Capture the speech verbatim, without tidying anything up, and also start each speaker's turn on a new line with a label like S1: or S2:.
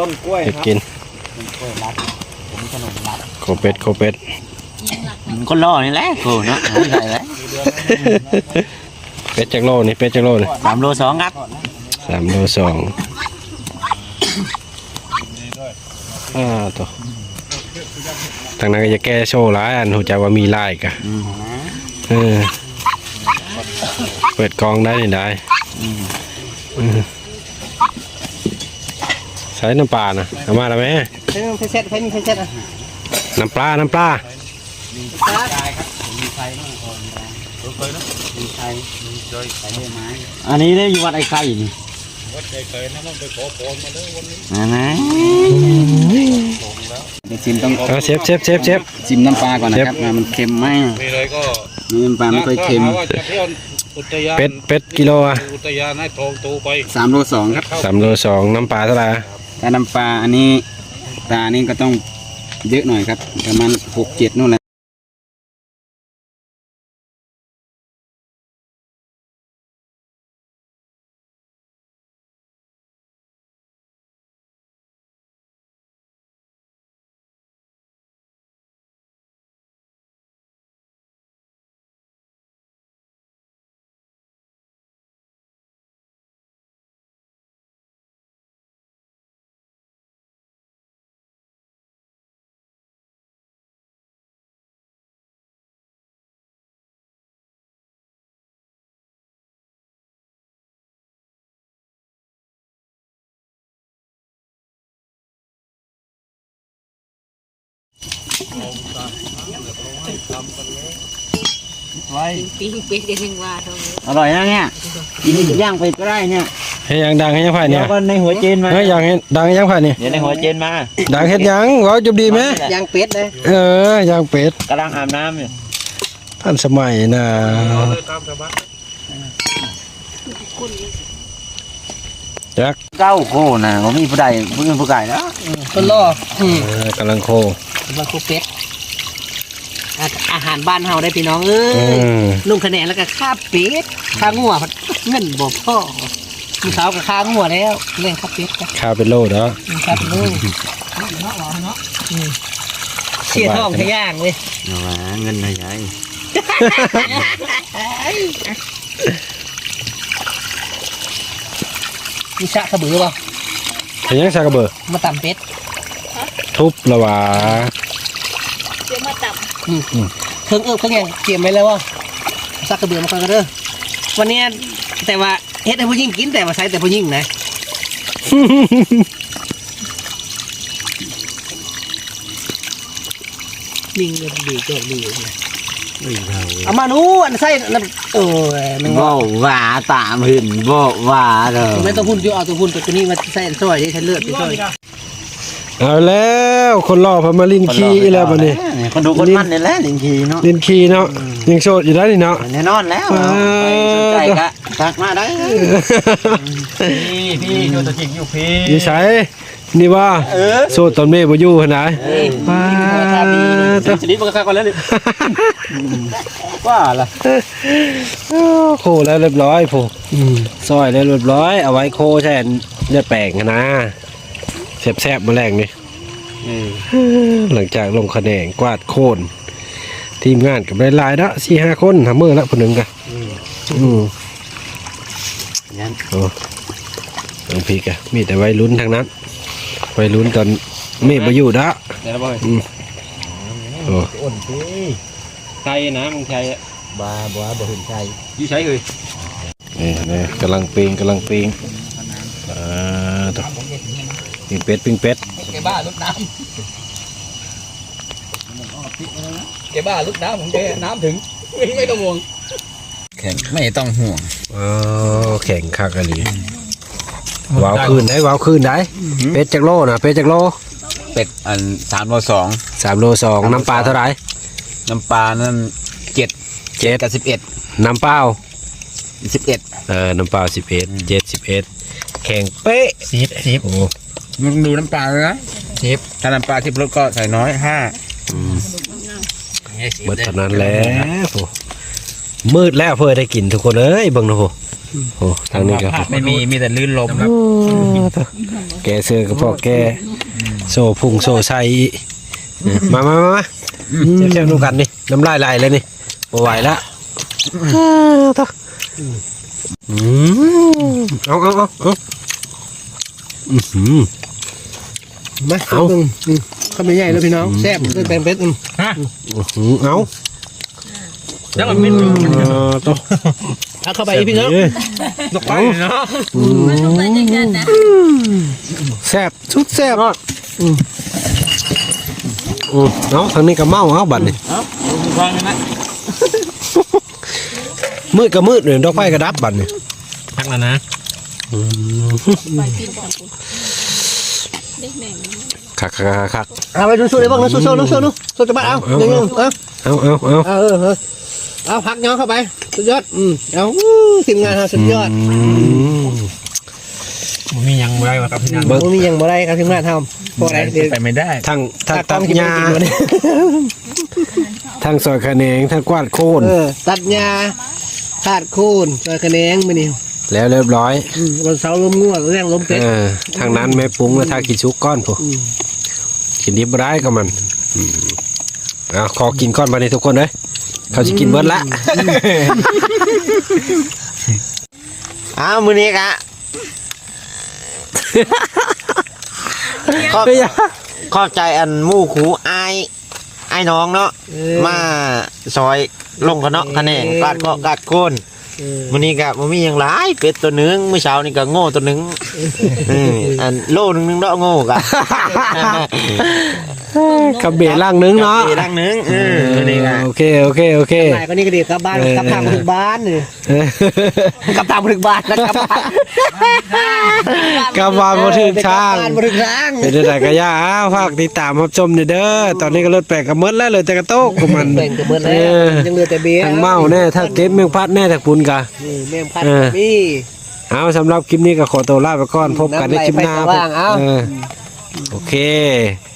S1: นกล้วยครับ
S2: กิน
S1: กล้วยรัดผมขนมรัด
S2: โคเป็ดโคเป็ด
S1: คนล่อนี่แหละกูเนาะไม่ใช่แล้ว
S2: เป็ดจักโลนี่เป็ดจักโลนี่
S1: สามโลสองครับ
S2: สามโลสองอ่าตัวทางนั้นก็จะแก้โชว์ร้ายอันหูจักว่ามีลายกะเออเปิดกองได้นี่ได้ใช้น้ำปลานะเอามาแล้วไหม
S1: ใช้เซ็ตใช้นี่ใช้เซ็ตอ่ะ
S2: น้ำปลาน้ำปลา
S1: อันนี้ได้อยู่วัดไอ้ไข่นี่วัดไอ้ไข่นะมันไปขอพรมาเลยวันนี้นะเดี๋ยวชิมต้อง
S2: เอาเชฟเชฟเชฟเชฟ
S1: ชิมน้ำปลาก่อนนะครับมันเค็มไหม
S3: มีเลยก็
S1: น้ำปลาไม่ค่อยเค็ม
S3: ว่าจะเที่ยวอุทยาน
S2: เป็ดเป็ดกิโลอะ
S3: อุทยานให้ทองตูไป
S1: สามโลสองครับ
S2: สามโลสองน้ำปลาเท่าไหร่
S1: ถ้าน้ำปลาอันนี้ปลานี่ก็ต้องเยอะหน่อยครับประมาณหกเจ็ดนู่นแหละไว้
S4: ปิ้งเป็ดเดี๋ยวนึงว่าตรงนี้
S1: อร่อยนะเนี่ยกินย่างไปก็ได้เนี่ย
S2: ให้ยังดังให้ยังไผ่
S1: เดี๋
S2: เนี่ย ยว
S1: ก็ในหัวเจนมา
S2: เฮ้ยยังให้ดังให้ยังไผ่เนี่ย
S1: เดี๋ยวในหัวเจนมา
S2: ดังเฮ็ดยังเว้าจุบดีไหม
S1: ย่างเป็ดเลย
S2: เออย่างเป็ด
S1: กำลังอาบน้ำอยู่
S2: ท่านสมัยนะจัก
S1: เก้าโคนะผมมีผู้ใดผู้อื่นผู้ไก่แล้ว
S4: คนล่ออืม
S2: เออกำลังโค
S4: มาคุกเป็ดอาอาหารบ้านเฮาได้พี่น้องเอ้
S2: อื
S4: ย
S2: ม
S4: ลุงคะแนนแล้วก็ข้าเป็ดข้างัวเงินบ่พ่อมีสาวกับข้างัวแล้วเลี้ยงข้าเป็ดกัน
S2: ข้าวเป็นโลเด้อ
S4: ครับลูกเชี่ยท้องขย่างเลย
S1: เอาวะเงินอะไรใหญ่
S4: มีสะขบือป่ะ
S2: เฮ็ดยังซากระเบอ
S4: มาตำเป็ด
S2: ทุบละหวา
S4: เดี๋ยวมาตำเครื่องเอิบเครื่องแกงเตรียมไว้แล้วว่าสักกระเบือมาก่อนก็เด้อวันนี้แต่ว่าเฮ็ดให้ผู้หญิงกินแต่ว่าใช้แต่ผู้หญิงนะลิงเนี่ยดีก็ดีนะเอามานู้อันใส่นั่นเออมัน
S1: บ่ว่าตามหื่นบ่ว่าเด้อ
S4: ไม่ต้องพูดอยู่เอาตัวพูดตัวนี้มาใส่ซอยที่ฉันเลือดไปซอย
S2: เอาแล้วคนรอพามาลินขี้อีแล้วบัดนี้
S1: คนดูคนมันนี่แหละลิงคีเนาะ
S2: ลินขี้เนาะยังโสดอยู่ได้นี่เนาะ
S1: แน่นอนแล้วไปสนใจกะทักมาได้พี่พี่อยู่ตัวจริงอยู่พี่
S2: อยู่ไสนี่ว่าโสดตอนเมย์บ่อยู่หั่นน่ะป้า
S1: ชนิดมันก็ก่อนแล้วนี่ว่าล่ะ
S2: โคแล้วเรียบร้อยผู้ซอยแล้วเรียบร้อยเอาไว้โคใช่เลือดแปลงนะแซ่บๆมาแรงนี่หลังจากลงคะแนนกวาดโค่นทีมงานกับหลายๆแล้วสี่ห้าคนทำมือละคนหนึ่งกันอืมโอ้ลงพีกะมีแต่วัยรุ่นทางนั้นวัยรุ่นตอนเมฆมาอยู่ดะ
S1: เดี๋ยวบ่อย
S2: โอ้
S1: อ่อนพี่ใช่นะมึงใช่บ้าบ้าบ่เห็นใช่ยี่ใช่เลย
S2: นี่นี่กำลังปีงกำลังปีงอ่าต่อปิ้งเป็ดปิ้งเป็ด
S4: แกบ้าลุกน้ำแกบ้าลุกน้ำของแกน้ำถึงไม่ต้องห่วง
S1: แข็งไม่ต้องห่วง
S2: อ๋อแข่งคักอะไรวาวคืนได้วาวคืนได้เป็ดจากโลนะเป็ดจากโล
S1: เป็ดอันสามโลสอง
S2: สามโลสองน้ำปลาเท่าไหร่
S1: น้ำปลานั่นเจ็ด
S2: เจ็ด
S1: กับสิบเอ็ด
S2: น้ำเปล่า
S1: สิบเอ็ด
S2: เออน้ำเปล่าสิบเอ็ดเจ็ดสิบเอ็ดแข่งเป๊ะ
S1: สิบสิบ
S2: โอ้
S1: มึงดูน้ำปลาเลยนะสิบถ้าน้ำปลาที่รสก็ใส่น้อยห้า
S2: เบิดเท่านั้นแหล้วมืดแล้วเพื่อได้กินทุกคนเอ้ยเบิ่งนะโหโอ้ทางนี้ก็
S1: ไม่มีมีแต่ลื่นลมครับ
S2: แกเสื้อกับพ่อแกโซ่พุงโซ่ใส่มามามามาเชี่ยวๆดูกันนี่น้ำลายไหลเลยนี่บ่ไหวแล้วอืมเอาเอาเอาเอาอือหือ
S4: มา
S2: เอา
S4: เบิ่งอืมข้าวมันใหญ่เลยพี่น้องแซ่บด้วยแป้งเป็ดอืม
S2: อื้อหือเอา
S1: แล้วมันไม่
S2: เออตัว
S4: เอาเข้าไปอีกพี่น้อง
S2: เอ้ย
S1: ตกไปเนาะ
S5: มันต้องไปอย่างนั้นนะ
S2: แซ่บสุดแซ่บอืมอืมเอาทางนี้ก็เมาเอาบัดนี่
S1: เอ้าฟังนะ
S2: มืดก็มืดเลยดอกไฟก็ดับบัดนี่
S1: พักแล้วนะ
S5: ไปกินกับเด็กแม่ง
S2: คักคักคัก
S4: เอาไปสู้ๆเลยบ้างนะสู้ๆนะสู้ๆนะสู้จะบ้านเอา
S2: เอา
S4: หนึ่ง
S2: เอา
S4: เอา
S2: เอาเอาเอา
S4: เอาเออเออเอาพักย้อนเข้าไปสุดยอดอืมเอาอู้ทีมงานเราสุดยอด
S1: มันมียังไรวะครับพี่นัน
S2: เบิ่ง
S4: มันมีอย่างบ่ได้ครับทีมงานทำพอได้เดี๋ยว
S1: ไปไม่ได้
S2: ทั้งทั้ง
S4: ตั
S2: ตั
S4: ด
S2: ด
S4: กิน
S2: หญ้า
S4: กินวันนี้
S2: ทั้งซอยคะแนงทั้งกวาดโค่น
S4: เออตัดหญ้าขาดโคนซอยคะแนงมื้อนี้
S2: แล้วเรียบร้อย
S4: อืมวันเสาร์ลมงัวเรื่องลมเป็ด
S2: เออทางนั้นแม่ปรุงแล้วทากินชุกก้อนผู้
S4: อืม
S2: กินดิบบ่ได้ก็มันอืมเอาขอกินก้อนบัดนี้ทุกคนเด้ยเขาสิกินเบิดละ
S1: อ้าวมือนี้กะขอบขอบใจอันหมู่คูไอไอ้น้องเนาะ
S4: เออ
S1: มาซอยลงกันเนาะคะแนนกาดเกาะกาดโคน
S4: เออ
S1: มื้อนี้ก็บ่มีหยังหลายเป็ดตัวหนึงมื้อเช้านี่ก็โง่ตัวหนึงเอออันโลนึงนึงเนาะโง่กะ
S2: กับเบะล่างนึงเนาะ
S1: อีกรังหนึงเออมื้อนี้ก็
S2: โอเคโอเคโอเค
S4: นายก็นี่ก็ดีกลับบ้าน
S2: เออ
S4: กลับทางมาถึงบ้านนี่
S2: เออก
S4: ลับทางมาถึงบ้านนะครับ
S2: กลับมาบ่ถึงทาง
S4: กลับบ้านมาถึงทาง
S2: เป็นได้ก็ย่าอ้าวฝากติดตามรับชมนี่เด้อตอนนี้ก็รถแปลกก็หมดแล้วเหลยแต่กระโตกของมัน
S4: แบ่งกันหมดแล้
S2: เอ
S4: ว
S2: อ
S4: ยังเหลือแต่เบี้ย
S2: ทั้งเมาแน่ทั้งเก็บแมงพัดแน่ทั้งปุนกะ
S4: นี่แม่งพัด
S2: เออ
S4: พี่
S2: เอาสำหรับคลิปนี้ก็ขอตัวลาไปก่อนพบกันในคลิปหน้า
S4: น้ำไหลไปสว่างเอา
S2: เออโอเค